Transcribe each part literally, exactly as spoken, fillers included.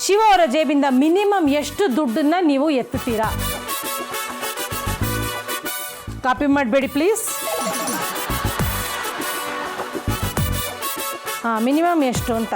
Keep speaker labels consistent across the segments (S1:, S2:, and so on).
S1: ಶಿವ ಅವರ ಜೇಬಿಂದ ಮಿನಿಮಮ್ ಎಷ್ಟು ದುಡ್ಡನ್ನ ನೀವು ಎತ್ತುತ್ತೀರಾ? ಕಾಪಿ ಮಾಡಬೇಡಿ ಪ್ಲೀಸ್. ಹಾಂ, ಮಿನಿಮಮ್ ಎಷ್ಟು ಅಂತ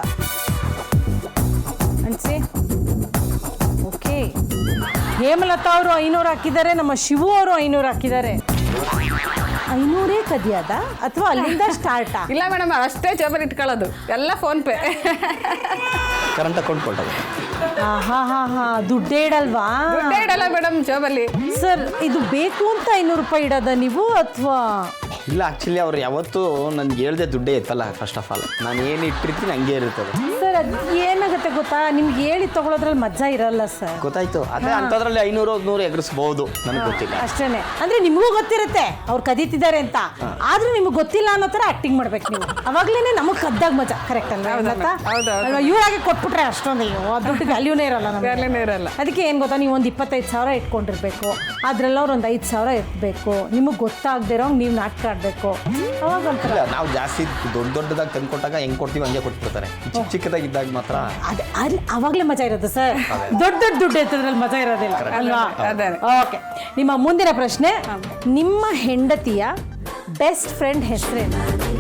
S1: ಅನ್ಸಿ. ಓಕೆ, ಹೇಮಲತಾ ಅವರು ಐನೂರು ಹಾಕಿದ್ದಾರೆ, ನಮ್ಮ ಶಿವು ಅವರು ಐನೂರು ಹಾಕಿದ್ದಾರೆ. ಐನೂರೇ ಕದಿಯದ ಅಥವಾ ಅಲ್ಲಿಂದ ಸ್ಟಾರ್ಟಾ?
S2: ಇಲ್ಲ ಮೇಡಮ್, ಅಷ್ಟೇ ಜೋಬಲ್ಲಿ ಇಟ್ಕೊಳ್ಳೋದು, ಎಲ್ಲ ಫೋನ್ ಪೇ.
S3: ಕರೆಂಟ್ ಅಕೌಂಟ್ ಕೊಟ್ಟದು.
S1: ಹಾ ಹಾ ಹಾ ದುಡ್ಡೇ ಇಡಲ್ವಾ?
S2: ದುಡ್ಡೇ ಇಡಲ್ಲ ಮೇಡಮ್ ಜೋಬಲ್ಲಿ.
S1: ಸರ್, ಇದು ಬೇಕು ಅಂತ ಐನೂರು ರೂಪಾಯಿ ಇಡೋದ ನೀವು ಅಥವಾ?
S3: ಇಲ್ಲ, ಆ್ಯಕ್ಚುಲಿ ಅವ್ರು ಯಾವತ್ತೂ ನನಗೆ ಹೇಳ್ದೆ ದುಡ್ಡೇ ಇತ್ತಲ್ಲ. ಫಸ್ಟ್ ಆಫ್ ಆಲ್ ನಾನು ಏನು ಇಟ್ಟಿರ್ತೀನಿ ಹಂಗೆ ಇರ್ತದೆ.
S1: ಸರ್, ಅದು ಏನಾಗುತ್ತೆ ಗೊತ್ತಾ, ನಿಮ್ಗೆ ಹೇಳಿ ತಗೊಳ್ಳೋದ್ರಲ್ಲಿ ಮಜಾ ಇರಲ್ಲ ಸರ್.
S3: ಗೊತ್ತಾಯ್ತು. ಅದೇ ಅಂಥದ್ರಲ್ಲಿ ಐನೂರು ನೂರು ಎಗರಿಸ್ಬೋದು, ನನಗೆ ಗೊತ್ತಿಲ್ಲ
S1: ಅಷ್ಟೇನೆ. ಅಂದ್ರೆ ನಿಮಗೂ ಗೊತ್ತಿರುತ್ತೆ ಅವ್ರು ಕದೀತಿದ್ದಾರೆ ಅಂತ, ಆದ್ರೂ ನಿಮ್ಗೆ ಗೊತ್ತಿಲ್ಲ ಅನ್ನೋ ಥರ ಆಕ್ಟಿಂಗ್ ಮಾಡ್ಬೇಕು ನೀವು. ಅವಾಗ್ಲೇನೆ ನಮಗೆ ಕದ್ದಾಗ ಮಜಾ. ಕರೆಕ್ಟ್ ಅಲ್ವಾ? ಇವ್ರಾಗೆ ಕೊಟ್ಬಿಟ್ರೆ ಅಷ್ಟೊಂದು ಅಯ್ಯೋ ದುಡ್ಡು ವ್ಯಾಲ್ಯೂನೇ ಇರಲ್ಲ ನಮಗೆ.
S2: ಇರಲ್ಲ.
S1: ಅದಕ್ಕೆ ಏನು ಗೊತ್ತಾ, ನೀವು ಒಂದು ಇಪ್ಪತ್ತೈದು ಸಾವಿರ ಇಟ್ಕೊಂಡಿರ್ಬೇಕು, ಅದ್ರೆಲ್ಲ ಅವ್ರು ಒಂದು ಐದು ಸಾವಿರ ಇರಬೇಕು. ನಿಮಗೆ ಗೊತ್ತಾಗದಿರೋ ನೀವು ನಾಟಕ ಆಡಬೇಕು. ಅವಾಗ ಒಂಥರ
S3: ನಾವು ಜಾಸ್ತಿ ದೊಡ್ಡ ದೊಡ್ಡದಾಗಿ ತಂದು ಕೊಟ್ಟಾಗ ಹೆಂಗೆ ಕೊಡ್ತೀವಿ ಹಂಗೆ ಕೊಟ್ಬಿಡ್ತಾರೆ. ಚಿಕ್ಕ ಚಿಕ್ಕದಾಗಿದ್ದಾಗ ಮಾತ್ರ
S1: ಅದೇ ಅಲ್ಲಿ ಅವಾಗಲೇ ಮಜಾ ಇರುತ್ತೆ ಸರ್. ದೊಡ್ಡ ದೊಡ್ಡ ದುಡ್ಡು ಎತ್ತದ್ರಲ್ಲಿ ಮಜಾ ಇರೋದಿಲ್ಲ ಅಲ್ವಾ? ಓಕೆ, ನಿಮ್ಮ ಮುಂದಿನ ಪ್ರಶ್ನೆ, ನಿಮ್ಮ ಹೆಂಡತಿಯ ಬೆಸ್ಟ್ ಫ್ರೆಂಡ್ ಹೆಸರೇನು?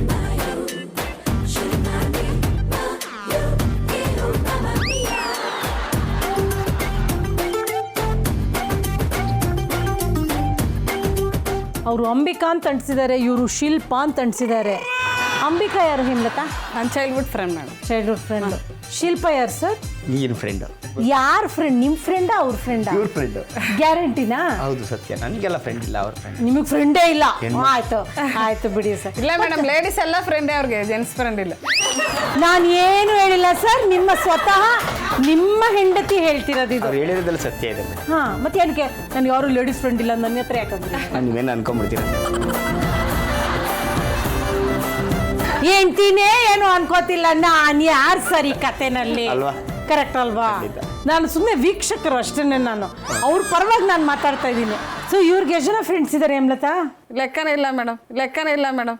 S1: ಅವರು ಅಂಬಿಕಾ ಅಂತ ಅನ್ಸಿದ್ದಾರೆ, ಇವರು ಶಿಲ್ಪಾ ಅಂತ ಅನ್ಸಿದ್ದಾರೆ. ಅಂಬಿಕಾ ಯಾರು ಹೇಮಲತಾ?
S2: ನನ್ನ childhood friend madam.
S1: Childhood friend. Shilpa ಯಾರು ಸರ್?
S3: ನೀನು ಫ್ರೆಂಡು.
S1: ಯಾರ ಫ್ರೆಂಡ್? ನಿಮ್ಮ ಫ್ರೆಂಡಾ ಅವ್ರ ಫ್ರೆಂಡಾ?
S3: ಇವ್ರ ಫ್ರೆಂಡು.
S1: ಗ್ಯಾರಂಟಿನಾ?
S3: ಹೌದು, ಸತ್ಯ. ನನಗೆಲ್ಲ ಫ್ರೆಂಡ್ ಇಲ್ಲ, ಅವ್ರ ಫ್ರೆಂಡ್.
S1: ನಿಮಗೆ ಫ್ರೆಂಡೇ ಇಲ್ಲ? ಆಯ್ತು ಆಯ್ತು ಬಿಡಿ ಸರ್.
S2: ಇಲ್ಲ ಮೇಡಮ್, ಲೇಡೀಸ್ ಎಲ್ಲ ಫ್ರೆಂಡೇ, ಅವ್ರಿಗೆ ಜೆಂಟ್ಸ್ ಫ್ರೆಂಡ್ ಇಲ್ಲ.
S1: ನಾನು ಏನು ಹೇಳಿಲ್ಲ ಸರ್, ನಿಮ್ಮ ಸ್ವತಃ ನಿಮ್ಮ ಹೆಂಡತಿ ಹೇಳ್ತಿರೋದು ಇದು.
S3: ಅವ್ರು ಹೇಳಿರೋದ್ರಲ್ಲಿ ಸತ್ಯ ಇದೆ ಮೇಡಮ್.
S1: ಹಾಂ, ಮತ್ತೆ ಏನಕ್ಕೆ ನನಗೆ ಯಾರು ಲೇಡೀಸ್ ಫ್ರೆಂಡ್ ಇಲ್ಲ ನನ್ನ ಹತ್ರ ಯಾಕಂದ್ರೆ?
S3: ನಾನು ನೀವೇನು ಅನ್ಕೊಂಡ್ಬಿಡ್ತೀನಿ.
S1: ಹೆಂಡ್ತಿನೇ ಏನು ಅನ್ಕೋತಿಲ್ಲ, ನಾನು ಯಾರು ಸರ್ ಈ ಕಥೆನಲ್ಲಿ?
S3: ಅಲ್ವಾ?
S1: ಕರೆಕ್ಟ್ ಅಲ್ವಾ? ನಾನು ಸುಮ್ಮನೆ ವೀಕ್ಷಕರು ಅಷ್ಟೇ. ನಾನು ಅವ್ರ ಪರವಾಗಿ ನಾನು ಮಾತಾಡ್ತಾ ಇದ್ದೀನಿ. ಸೊ ಇವ್ರಿಗೆ ಎಷ್ಟು ಜನ ಫ್ರೆಂಡ್ಸ್ ಇದ್ದಾರೆ ಹೇಮಲತಾ?
S2: ಲೆಕ್ಕನೇ ಇಲ್ಲ ಮೇಡಮ್, ಲೆಕ್ಕನೇ ಇಲ್ಲ ಮೇಡಮ್.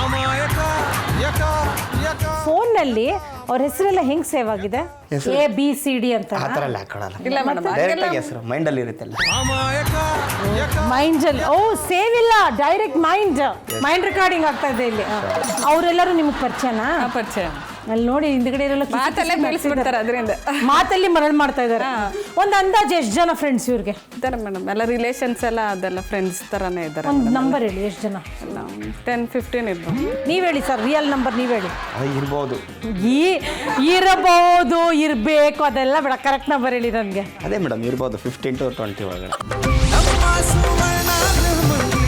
S1: ಫೋನ್ನಲ್ಲಿ ಅವ್ರ ಹೆಸರೆಲ್ಲ ಹೆಂಗ್ ಸೇವ್ ಆಗಿದೆ? ಎ ಬಿ ಸಿ ಡಿ ಅಂತ
S3: ಆ ಥರ ಎಲ್ಲ ಹಾಕೊಳ್ಳಲ್ಲ.
S2: ಇಲ್ಲ ಮೇಡಮ್,
S3: ಡೈರೆಕ್ಟಾಗಿ ಹೆಸರು ಮೈಂಡಲ್ಲಿ ಇರುತ್ತಲ್ಲ.
S1: ಮೈಂಡ್ ಅಲ್ಲಿ ಓ ಸೇವ್ ಇಲ್ಲ, ಡೈರೆಕ್ಟ್ ಮೈಂಡ್ ಮೈಂಡ್ ರೆಕಾರ್ಡಿಂಗ್ ಆಗ್ತಾ ಇದೆ ಇಲ್ಲಿ. ಅವರೆಲ್ಲರೂ ನಿಮಗೆ ಪರಿಚಯನಾ?
S2: ಪರಿಚಯ.
S1: ಅಲ್ಲಿ ನೋಡಿ ಹಿಂದ್ಗಡೆ ಇರಲ್ಲ,
S2: ಮಾತಲ್ಲೇ ಬೆಳೆಸ್ಬಿಡ್ತಾರೆ ಅದರಿಂದ.
S1: ಮಾತಲ್ಲಿ ಮರಳು ಮಾಡ್ತಾ ಇದ್ದಾರೆ. ಒಂದು ಅಂದಾಜು ಎಷ್ಟು ಜನ ಫ್ರೆಂಡ್ಸ್ ಇವ್ರಿಗೆ
S2: ಇದ್ದಾರೆ ಮೇಡಮ್? ಎಲ್ಲ ರಿಲೇಷನ್ಸ್ ಎಲ್ಲ ಅದೆಲ್ಲ ಫ್ರೆಂಡ್ಸ್ ಥರನೇ ಇದ್ದಾರೆ.
S1: ಒಂದು ನಂಬರ್ ಹೇಳಿ, ಎಷ್ಟು ಜನ?
S2: ಟೆನ್ ಫಿಫ್ಟೀನ್ ಇರ್ಬೋದು.
S1: ನೀವು ಹೇಳಿ ಸರ್, ರಿಯಲ್ ನಂಬರ್ ನೀವು ಹೇಳಿ.
S3: ಅದು ಇರ್ಬೋದು.
S1: ಈ ಇರಬಹುದು, ಇರಬೇಕು, ಅದೆಲ್ಲ ಬೇಡ, ಕರೆಕ್ಟ್ ನಂಬರ್ ಹೇಳಿ ನನಗೆ.
S3: ಅದೇ ಮೇಡಮ್, ಇರ್ಬೋದು ಫಿಫ್ಟೀನ್ ಟು ಟ್ವೆಂಟಿ ಒಳಗಡೆ.